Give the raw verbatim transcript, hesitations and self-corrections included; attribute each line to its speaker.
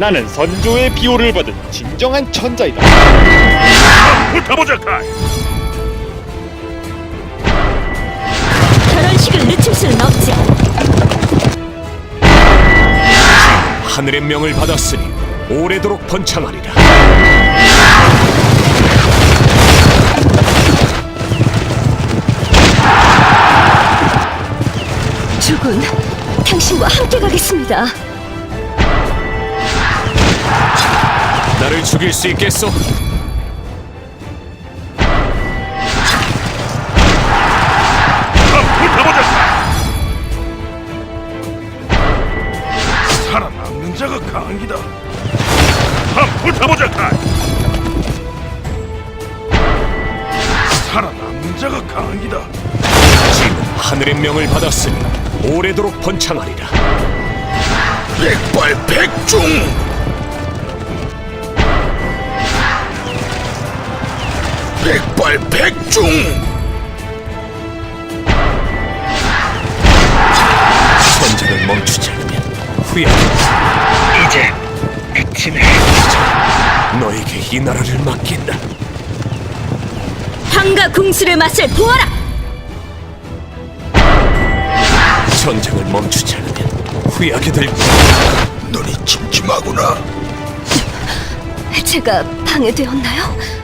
Speaker 1: 나는 선조의 비호를 받은 진정한 천자이다.
Speaker 2: 붙어보자, 카이.
Speaker 3: 결혼식을 늦출 수는 없지.
Speaker 4: 하늘의 명을 받았으니 오래도록 번창하리라.
Speaker 3: 주군, 당신과 함께 가겠습니다.
Speaker 4: 나를 죽일 수 있겠소?
Speaker 2: 붙어보자, 카이. 살아남는 자가 강이다. 붙어보자, 카이. 살아남는 자가 강이다.
Speaker 4: 지금 하늘의 명을 받았으니 오래도록 번창하리라.
Speaker 2: 백발백중. 백발백중.
Speaker 4: 전쟁을 멈추지 않으면 후회하겠다.
Speaker 2: 이제 끝이네.
Speaker 4: 너에게 이 나라를 맡긴다.
Speaker 3: 황과 궁수를 맛을 보아라.
Speaker 4: 전쟁을 멈추지 않으면 후회하게 될 거야.
Speaker 2: 눈이 침침하구나.
Speaker 3: 제가 방해되었나요?